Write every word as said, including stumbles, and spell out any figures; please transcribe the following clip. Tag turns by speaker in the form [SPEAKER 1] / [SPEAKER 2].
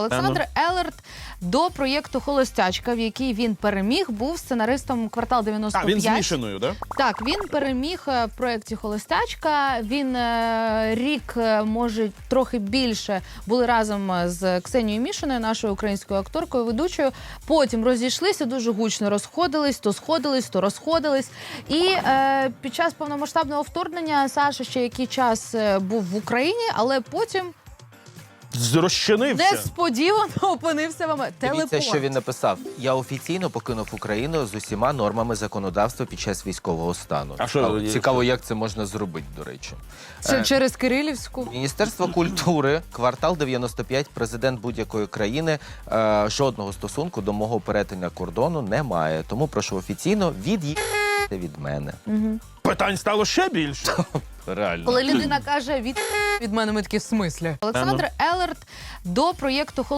[SPEAKER 1] Олександр Елерт до проєкту «Холостячка», в якій він переміг, був сценаристом «Квартал дев'яносто п'ять».
[SPEAKER 2] А, він з Мішиною, так? Да?
[SPEAKER 1] Так, він переміг в проєкті «Холостячка». Він е, рік, може, трохи більше були разом з Ксенією Мішиною, нашою українською акторкою, ведучою. Потім розійшлися, дуже гучно розходились, то сходились, то розходились. І е, під час повномасштабного вторгнення Саша ще який час був в Україні, але потім
[SPEAKER 2] Розчинився.
[SPEAKER 1] несподівано опинився в Америці.
[SPEAKER 3] Дивіться, що він написав. Я офіційно покинув Україну з усіма нормами законодавства під час військового стану.
[SPEAKER 2] А що-
[SPEAKER 3] Цікаво, як це можна зробити, до речі.
[SPEAKER 1] Це
[SPEAKER 3] Е,
[SPEAKER 1] через Кирилівську.
[SPEAKER 3] Міністерство культури, «Квартал дев'яносто п'ять», президент будь-якої країни, е, жодного стосунку до мого перетину кордону не має. Тому прошу офіційно від'їхати від мене.
[SPEAKER 2] Питань стало ще більше.
[SPEAKER 3] Реально.
[SPEAKER 1] Коли людина каже від, від мене, ми такі в смислі. Олександр Елерт до проєкту